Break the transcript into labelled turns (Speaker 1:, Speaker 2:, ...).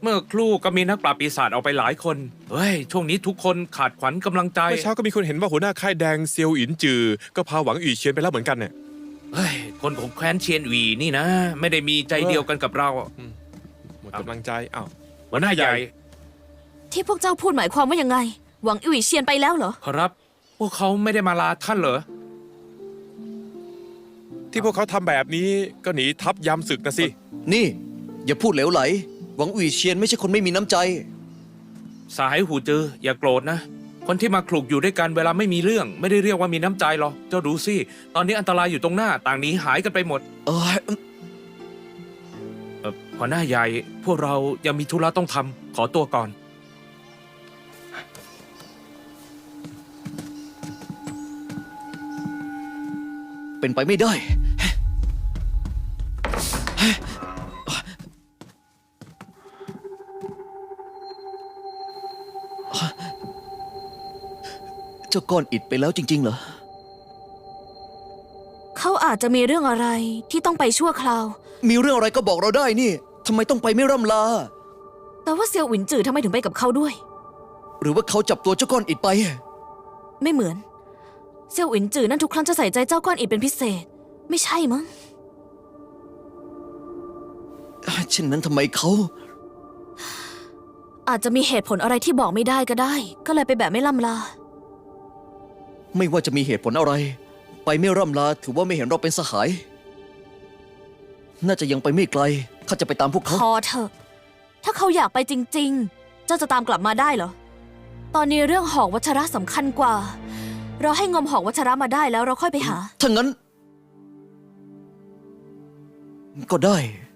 Speaker 1: มื่อครู่ก็มีนักปราบปีศาจออกไปหลายคนเฮ้ยช่วงนี้ทุกคนขาดขวัญกำลังใจ
Speaker 2: เมื่อเช้าก็มีคนเห็นว่าหัวหน้าค่ายแดงเซียวอินจือก็พาหวังอีเชียนไปแล้วเหมือนกันเนี่ย
Speaker 1: เฮ้ยคนของแคว้นเชียนหวีนี่นะ ไม่ได้มีใจเดียวกันกับเรา
Speaker 2: หมดกำลังใจอ้าว
Speaker 1: หัวหน้าใหญ่
Speaker 3: ที่พวกเจ้าพูดหมายความว่ายังไง หวังอิ๋วเชียนไปแล้วเหรอ
Speaker 1: ครับ พวกเขาไม่ได้มาลาท่านเหรอ
Speaker 2: ที่พวกเขาทำแบบนี้ก็หนีทัพยามศึกนะสิ
Speaker 4: นี่ อย่าพูดเหลวไหล หวังอุ๋ยเชียนไม่ใช่คนไม่มีน้ำใจ
Speaker 1: สหายหูจืออย่าโกรธนะ คนที่มาคลุกอยู่ด้วยกันเวลาไม่มีเรื่อง ไม่ได้เรียกว่ามีน้ำใจหรอกเจ้าดูสิตอนนี้อันตรายอยู่ตรงหน้าต่างหนีหายกันไปหมด หัวหน้าใหญ่พวกเรายังมีธุระต้องทำขอตัวก่อน
Speaker 4: เป็นไปไม่ได้ เจ้าก้อนอิฐไปแล้วจริงๆเหรอ
Speaker 3: เขาอาจจะมีเรื่องอะไรที่ต้องไปชั่วคราว
Speaker 4: มีเรื่องอะไรก็บอกเราได้นี่ ทำไมต้องไปไม่ร่ำลา
Speaker 3: แต่ว่าเซียวหวินจือทำไมถึงไปกับเขาด้วย
Speaker 4: หรือว่าเขาจับตัวเจ้าก้อนอิฐไป
Speaker 3: ไม่เหมือน เซียวหวินจือนั่นทุกครั้งจะใส่ใจเจ้าก้อนอิฐเป็นพิเศษ ไม่ใช่มั้ง
Speaker 4: เช่นนั้นทำไมเขา
Speaker 3: อาจจะมีเหตุผลอะไรที่บอกไม่ได้ก็ได้ ก็เลยไปแบบไม่ล่ำลา
Speaker 4: ไม่ว่าจะมีเหตุผลอะไร ไปไม่ร่ำลาถือว่าไม่เห็นเราเป็นสหาย น่าจะยังไปไม่ไกลข้าจะไปตามพวกเขา
Speaker 3: พอเถอะ ถ้าเขาอยากไปจริงๆ เจ้าจะตามกลับมาได้เหรอ ตอนนี้เรื่องหอกวัชระสำคัญกว่า เราให้งมหอกวัชระมาได้แล้วเราค่อยไปหา
Speaker 4: ถ้างั้น ก็ได้